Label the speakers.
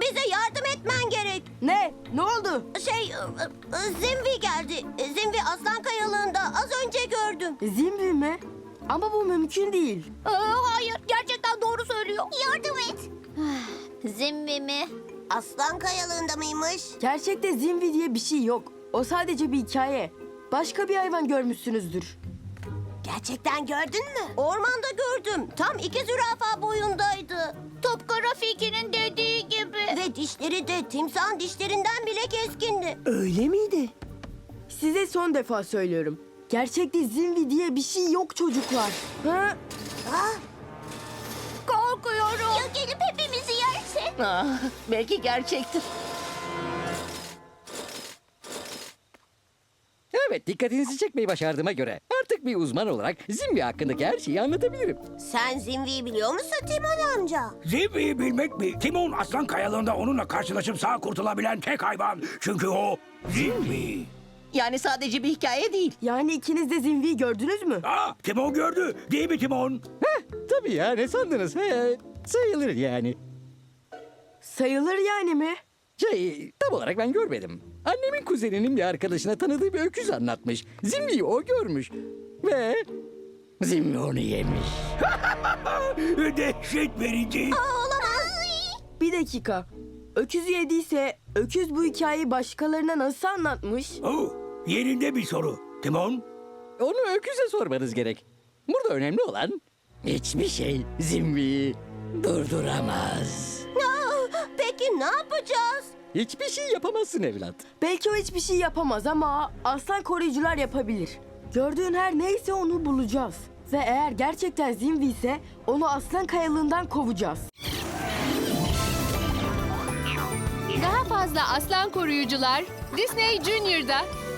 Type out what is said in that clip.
Speaker 1: Bize yardım etmen gerek.
Speaker 2: Ne? Ne oldu?
Speaker 1: Zimvi geldi. Zimvi Aslan Kayalığı'nda az önce gördüm.
Speaker 2: Zimri mi? Ama bu mümkün değil.
Speaker 1: Hayır, gerçekten doğru söylüyor. Yardım et.
Speaker 3: Zimmi mi?
Speaker 1: Aslan Kayalığı'nda mıymış?
Speaker 2: Gerçekte Zimri diye bir şey yok. O sadece bir hikaye. Başka bir hayvan görmüşsünüzdür.
Speaker 1: Gerçekten gördün mü? Ormanda gördüm. Tam 2 zürafa boyundaydı.
Speaker 3: Tıpkı Rafiki'nin dediği gibi.
Speaker 1: Ve dişleri de timsahın dişlerinden bile keskindi.
Speaker 4: Öyle miydi?
Speaker 2: Size son defa söylüyorum. Gerçekte Zimri diye bir şey yok çocuklar. Ha?
Speaker 3: Korkuyorum. Ya gelip hepimizi yerse?
Speaker 4: Belki gerçektir.
Speaker 5: Evet, dikkatinizi çekmeyi başardığıma göre artık bir uzman olarak Zimri hakkındaki her şeyi anlatabilirim.
Speaker 1: Sen Zimvi'yi biliyor musun Timon amca?
Speaker 6: Zimbi'yi bilmek mi? Timon Aslan Kayalığı'nda onunla karşılaşıp sağ kurtulabilen tek hayvan. Çünkü o Zimbi.
Speaker 4: Yani sadece bir hikaye değil.
Speaker 2: Yani ikiniz de Zimri'yi gördünüz mü?
Speaker 6: Timon gördü. Değil mi Timon?
Speaker 5: Tabii ya, ne sandınız? Sayılır yani.
Speaker 2: Sayılır yani mi?
Speaker 5: Tam olarak ben görmedim. Annemin kuzeninin bir arkadaşına tanıdığı bir öküz anlatmış. Zimri'yi o görmüş. Ve Zimri onu yemiş.
Speaker 6: Dehşet verici.
Speaker 2: Bir dakika. Öküzü yediyse öküz bu hikayeyi başkalarına nasıl anlatmış?
Speaker 6: Yerinde bir soru. Timon?
Speaker 5: Onu öküze sormanız gerek. Burada önemli olan hiçbir şey Zimri'yi durduramaz.
Speaker 1: Peki ne yapacağız?
Speaker 5: Hiçbir şey yapamazsın evlat.
Speaker 2: Belki o hiçbir şey yapamaz ama aslan koruyucular yapabilir. Gördüğün her neyse onu bulacağız. Ve eğer gerçekten Zimri ise onu aslan kayalığından kovacağız.
Speaker 7: Daha fazla aslan koruyucular Disney Junior'da.